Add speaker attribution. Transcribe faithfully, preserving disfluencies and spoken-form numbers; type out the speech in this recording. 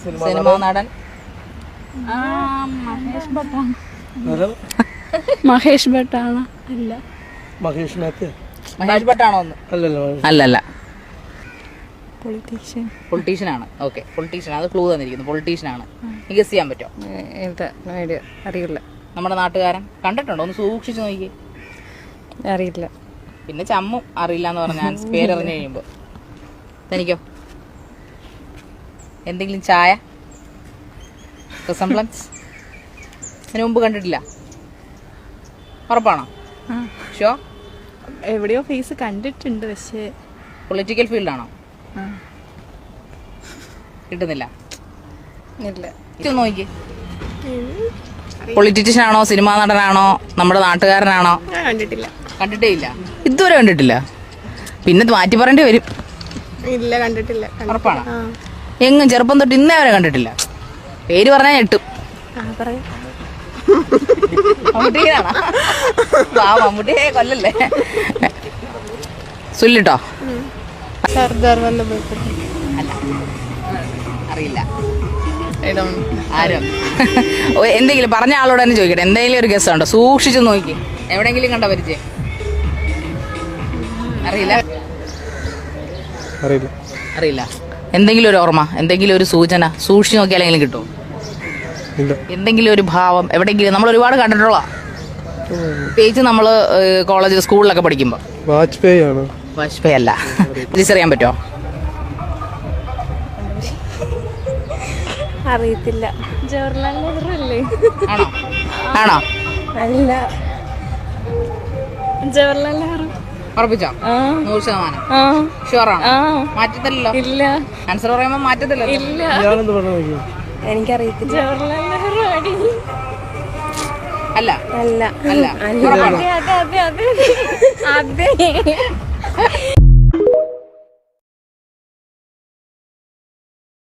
Speaker 1: Cinema നടൻ
Speaker 2: മഹേഷ് ഭട്ടാണ്. മഹേഷ് ഭട്ടാണ്. അല്ല
Speaker 3: മഹേഷ് മേത്ത.
Speaker 1: മഹേഷ് ഭട്ടാണോ ഒന്ന്? അല്ലല്ല,
Speaker 2: പൊളിറ്റീഷ്യൻ.
Speaker 1: പൊളിറ്റീഷ്യൻ ആണ്. Okay, politician. അത് ക്ലൂ തന്നിരിക്കുന്നു. പൊളിറ്റീഷ്യൻ ആണ്. ഗസ് ചെയ്യാൻ പറ്റുമോ?
Speaker 2: അറിയില്ല.
Speaker 1: നമ്മുടെ നാട്ടുകാരൻ. കണ്ടിട്ടുണ്ടോ? ഒന്ന് സൂക്ഷിച്ചു നോക്കി.
Speaker 2: അറിയില്ല.
Speaker 1: പിന്നെ ചമ്മും അറിയില്ല എന്ന് പറഞ്ഞാൽ പേരറിഞ്ഞു കഴിയുമ്പോ. തനിക്കോ എന്തെങ്കിലും ചായ റിസംബ്ലൻസ് ഇതിനു മുമ്പ് കണ്ടിട്ടില്ല? ഉറപ്പാണോ? ഷോ
Speaker 2: എവിടെയോ ഫേസ് കണ്ടിട്ടുണ്ട്. പക്ഷേ
Speaker 1: പൊളിറ്റിക്കൽ ഫീൽഡാണോ? കിട്ടുന്നില്ല. ഇല്ല. നോക്കി. പൊളിറ്റീഷ്യൻ ആണോ, സിനിമാ നടനാണോ, നമ്മുടെ നാട്ടുകാരനാണോ?
Speaker 2: കണ്ടിട്ടില്ല.
Speaker 1: കണ്ടിട്ടേ ഇല്ല. ഇതുവരെ കണ്ടിട്ടില്ല. പിന്നെ മാറ്റി പറയേണ്ടി വരും.
Speaker 2: ഇല്ല, കണ്ടിട്ടില്ല.
Speaker 1: ഉറപ്പാണോ? എങ്ങും ചെറുപ്പം തൊട്ട് ഇന്നേ വരെ കണ്ടിട്ടില്ല. പേര് പറഞ്ഞാൽ ഞെട്ടും. മമ്മൂട്ടിയാണോ? മമ്മൂട്ടിയെ കൊല്ലല്ലേ. സുല്ലിട്ടോ?
Speaker 2: സർദാർ വല്ലഭായ്.
Speaker 1: അല്ല, അറിയില്ല. ആരും എന്തെങ്കിലും പറഞ്ഞ ആളോട് തന്നെ ചോദിക്കട്ടെ. എന്തെങ്കിലും ഒരു ഗസ് ഉണ്ടോ? സൂക്ഷിച്ചു നോക്കി. എവിടെങ്കിലും കണ്ട പരിചയം? അറിയില്ല.
Speaker 3: അറിയില്ല.
Speaker 1: അറിയില്ല. എന്തെങ്കിലും ഒരു ഓർമ്മ, എന്തെങ്കിലും ഒരു സൂചന സൂക്ഷിച്ചു നോക്കിയാലെങ്കിലും കിട്ടുമോ? എന്തെങ്കിലും ഒരു ഭാവം എവിടെയെങ്കിലും? നമ്മൾ ഒരുപാട് കണ്ടിട്ടുള്ള പ്രത്യേകിച്ച് നമ്മൾ കോളേജ് സ്കൂളിലൊക്കെ പഠിക്കുമ്പോൾ.
Speaker 3: വാജ്പേയി ആണ്.
Speaker 1: വാജ്പേയി അല്ല. തിരിച്ചറിയാൻ പറ്റുമോ?
Speaker 2: അറിയത്തില്ല. ജവഹർലാൽ നെഹ്റു അല്ലേ?
Speaker 1: ആണോ? ആണോ?
Speaker 2: അല്ല, ജവഹർലാൽ നെഹ്റു.
Speaker 1: ഉറപ്പിച്ചോ? നൂറ് ശതമാനം ഷുവറാണോ? മാറ്റത്തില്ലല്ലോ.
Speaker 2: ഇല്ല.
Speaker 1: ആൻസർ പറയുമ്പോ മാറ്റത്തില്ലല്ലോ.
Speaker 2: ഇല്ല,
Speaker 1: എനിക്കറിയത്തില്ല.
Speaker 2: ജവഹർലാൽ നെഹ്റു അടി.
Speaker 1: അല്ല
Speaker 2: അല്ല
Speaker 1: അല്ല.
Speaker 2: അതെ അതെ അതെ അതെ.